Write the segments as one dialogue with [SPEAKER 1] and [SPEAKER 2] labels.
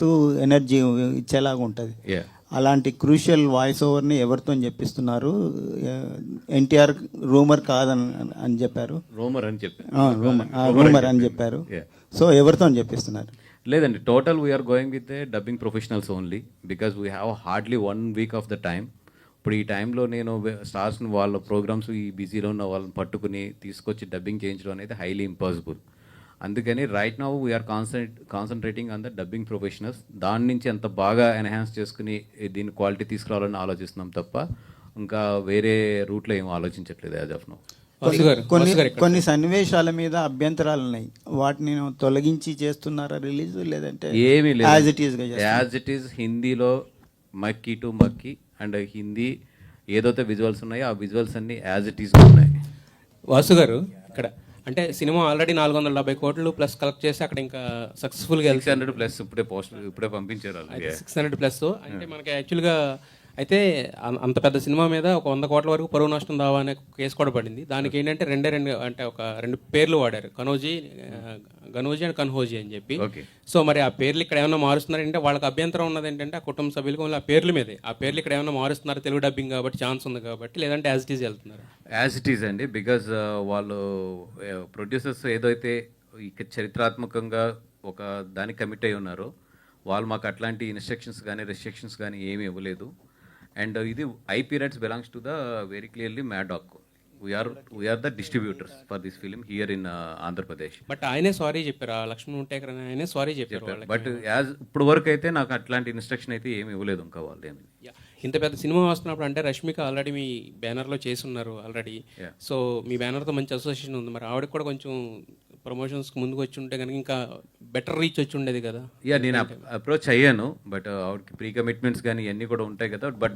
[SPEAKER 1] మస్తు ఎనర్జీ ఇచ్చేలాగా ఉంటుంది. అలాంటి క్రూషియల్ వాయిస్ ఓవర్ని ఎవరితో చెప్పిస్తున్నారు? ఎన్టీఆర్ రూమర్ కాదని అని చెప్పారు.
[SPEAKER 2] రూమర్ అని చెప్పారు.
[SPEAKER 1] రూమర్ అని చెప్పారు. సో ఎవరితో చెప్పిస్తున్నారు?
[SPEAKER 2] లేదండి, total we're going with dubbing professionals only because we have hardly 1 week of the time. ఇప్పుడు ఈ టైంలో నేను స్టార్స్ని వాళ్ళ ప్రోగ్రామ్స్ ఈ బిజీలో ఉన్న వాళ్ళని పట్టుకుని తీసుకొచ్చి డబ్బింగ్ చేయించడం అనేది హైలీ ఇంపాసిబుల్. అందుకని right now we're concentrating on the dubbing professionals. దాని నుంచి ఎంత బాగా ఎన్హాన్స్ చేసుకుని దీని క్వాలిటీ తీసుకురావాలని ఆలోచిస్తున్నాం తప్ప ఇంకా వేరే రూట్లో ఏం ఆలోచించట్లేదు యాజ్ ఆఫ్ నౌ.
[SPEAKER 1] కొన్ని సన్నివేశాల మీద అభ్యంతరాలు ఉన్నాయి, వాటిని తొలగించి చేస్తున్నారా రిలీజ్, లేదంటే
[SPEAKER 2] ఏమీ లేదు
[SPEAKER 1] యాజ్
[SPEAKER 2] ఇట్ ఈస్ హిందీలో మక్కీ టు మక్కీ అండ్ హిందీ ఏదైతే విజువల్స్ ఉన్నాయో ఆ విజువల్స్ అన్ని యాజ్ ఇట్ ఈస్ ఉన్నాయి.
[SPEAKER 3] వాసు గారు, ఇక్కడ అంటే సినిమా ఆల్రెడీ 470 కోట్లు ప్లస్ కలెక్ట్ చేసి అక్కడ ఇంకా సక్సెస్ఫుల్గా
[SPEAKER 2] 600 ప్లస్ ఇప్పుడే పంపించారు.
[SPEAKER 3] 600 ప్లస్ అంటే మనకి యాక్చువల్గా అయితే అంత పెద్ద సినిమా మీద ఒక 100 కోట్ల వరకు పరువు నష్టం దావా అనే కేసు కూడా పడింది. దానికి ఏంటంటే రెండు పేర్లు వాడారు, గనోజీ అండ్ కన్హోజీ అని చెప్పి. సో మరి ఆ పేర్లు ఇక్కడ ఏమైనా మారుస్తున్నారంటే వాళ్ళకి అభ్యంతరం ఉన్నది ఏంటంటే ఆ కుటుంబ సభ్యులకు ఆ పేర్ల మీదే, ఆ పేర్లు ఇక్కడ ఏమైనా మారుస్తున్నారు తెలుగు డబ్బింగ్ కాబట్టి ఛాన్స్ ఉంది కాబట్టి, లేదంటే యాజ్ ఇట్ ఈజ్ వెళ్తున్నారు.
[SPEAKER 2] యాజ్ ఇట్ ఈజ్ అండి, బికాజ్ వాళ్ళు ప్రొడ్యూసర్స్ ఏదైతే చరిత్రాత్మకంగా ఒక దానికి కమిట్ అయి ఉన్నారో వాళ్ళు మాకు అట్లాంటి ఇన్స్ట్రక్షన్స్ కానీ రెస్ట్రిక్షన్స్ కానీ ఏమీ ఇవ్వలేదు. అండ్ ఇది IP rights belongs to the very clearly Maddock. We're the distributors for this film here in ఆంధ్రప్రదేశ్.
[SPEAKER 3] బట్ ఆయనే సారీ చెప్పారు, లక్ష్మణ్ ఉంటేకర్ ఆయనే సారీ చెప్పారు.
[SPEAKER 2] బట్ యాజ్ ఇప్పుడు వరకు అయితే నాకు అట్లాంటి ఇన్స్ట్రక్షన్ అయితే ఏమి ఇవ్వలేదు ఇంకా వాళ్ళు ఏమి.
[SPEAKER 3] ఇంత పెద్ద సినిమా వస్తున్నప్పుడు అంటే రష్మిక ఆల్రెడీ మీ బ్యానర్లో చేస్తున్నారు ఆల్రెడీ. సో మీ బ్యానర్తో మంచి అసోసియేషన్ ఉంది, మరి ఆవిడకి కూడా కొంచెం ప్రమోషన్స్కి ముందుకు వచ్చి ఉంటే కనుక ఇంకా బెటర్ రీచ్ వచ్చి ఉండేది కదా.
[SPEAKER 2] నేను అప్రోచ్ అయ్యాను, బట్ ఆవిడకి ప్రీ కమిట్మెంట్స్ కానీ ఇవన్నీ కూడా ఉంటాయి కదా. బట్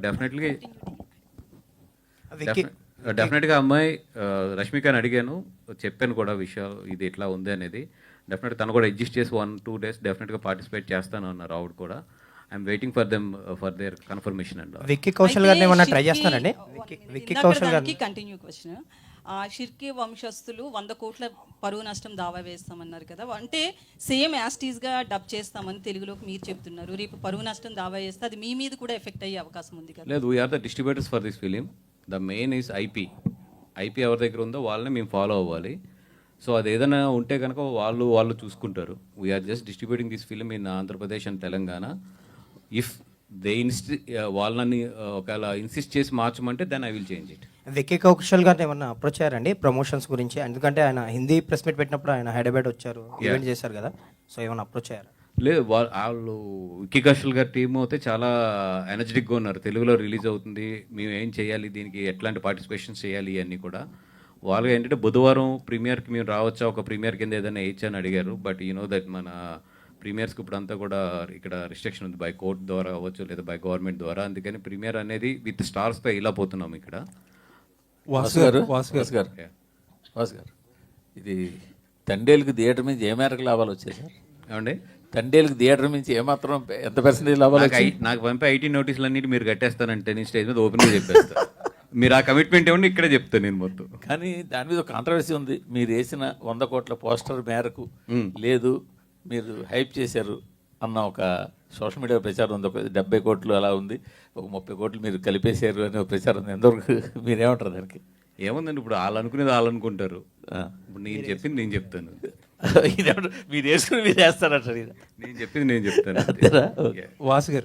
[SPEAKER 2] డెఫినెట్గా అమ్మాయి రష్మికని అడిగాను, చెప్పాను కూడా విషయాలు ఇది ఎట్లా ఉంది అనేది. డెఫినెట్గా తను కూడా అడ్జస్ట్ చేసి 1-2 డేస్ డెఫినెట్గా పార్టిసిపేట్ చేస్తాను అన్నారు ఆవిడ కూడా. I'm waiting for them for their confirmation. And
[SPEAKER 4] Vicky Kaushal గారిని ఏమన్నా ట్రై చేస్తారండి? విక్కీ కౌశల్ గారికి
[SPEAKER 5] కంటిన్యూ క్వశ్చన్. షిర్కీ వంశస్థులు 100 కోట్ల పరువు నష్టం దావా వేస్తామన్నారు కదా, అంటే సేమ్ యాస్టీస్గా డబ్ చేస్తామని తెలుగులోకి మీరు చెప్తున్నారు. రేపు పరువు నష్టం దావా చేస్తే అది మీ మీద కూడా ఎఫెక్ట్ అయ్యే అవకాశం ఉంది కదా?
[SPEAKER 2] లేదు, we're the distributors for this film. The main is IP ఎవరి దగ్గర ఉందో వాళ్ళని మేము ఫాలో అవ్వాలి. సో అది ఏదైనా ఉంటే కనుక వాళ్ళు చూసుకుంటారు. We are just distributing this film in Andhra Pradesh and Telangana. If they వాళ్ళని ఒకవేళ ఇన్సిస్ట్ చేసి మార్చమంటే then I will change it.
[SPEAKER 4] Vicky Kaushal గారిని ఏమన్నా అప్రోచ్ అయ్యారండి ప్రమోషన్స్ గురించి? ఎందుకంటే ఆయన హిందీ ప్రెస్ మీట్ పెట్టినప్పుడు ఆయన హైదరాబాద్ వచ్చారు, ఈవెంట్ చేశారు కదా, సో ఏమైనా అప్రోచ్ అయ్యారు?
[SPEAKER 2] లేదు, వాళ్ళు విక్కీ కౌశల్ గారి టీమ్ అయితే చాలా ఎనర్జెటిక్గా ఉన్నారు. తెలుగులో రిలీజ్ అవుతుంది, మేము ఏం చేయాలి, దీనికి ఎట్లాంటి పార్టిసిపేషన్స్ చేయాలి అన్నీ కూడా. వాళ్ళు ఏంటంటే బుధవారం ప్రీమియర్కి మేము రావచ్చా, ఒక ప్రీమియర్ కింద ఏదైనా వేయచ్చా అని అడిగారు. బట్ యూ నో దట్ మన ప్రీమియర్స్కి ఇప్పుడు అంతా కూడా ఇక్కడ రిస్ట్రిక్షన్ ఉంది, బై కోర్ట్ ద్వారా అవ్వచ్చు లేదా బై గవర్నమెంట్ ద్వారా. అందుకని ప్రీమియర్ అనేది విత్ స్టార్స్తో ఇలా పోతున్నాం ఇక్కడ.
[SPEAKER 6] వాసు గారు ఇది తండేలుకి థియేటర్ నుంచి ఏ మేరకు లాభాలు వచ్చాయి సార్?
[SPEAKER 2] ఏమండి,
[SPEAKER 6] తండేలుకి థియేటర్ నుంచి ఏమాత్రం ఎంత పర్సెంటేజ్ లాభాలు?
[SPEAKER 2] నాకు పంపే ఐటీ నోటీసులు అన్నిటి మీరు కట్టేస్తానంటే నేను స్టేజ్ మీద ఓపెన్గా చెప్పేస్తాను. మీరు ఆ కమిట్మెంట్ ఏమన్నా ఇక్కడే చెప్తాను నేను మొత్తం.
[SPEAKER 6] కానీ దాని మీద ఒక కాంట్రవర్సీ ఉంది. మీరు వేసిన 100 కోట్ల పోస్టర్ మేరకు లేదు, మీరు హైప్ చేశారు అన్న ఒక సోషల్ మీడియా ప్రచారం ఉంది. ఒక 70 కోట్లు అలా ఉంది, ఒక 30 కోట్లు మీరు కలిపేశారు అనే ఒక ప్రచారం ఉంది. ఎంతవరకు మీరేమంటారు దానికి?
[SPEAKER 2] ఏముందండి, ఇప్పుడు వాళ్ళు అనుకునేది వాళ్ళు అనుకుంటారు. ఇప్పుడు నేను చెప్పింది నేను చెప్తాను.
[SPEAKER 6] మీరు వేసుకుని మీరు వేస్తారంటారు.
[SPEAKER 2] నేను చెప్పింది నేను చెప్తాను.
[SPEAKER 4] వాసు గారు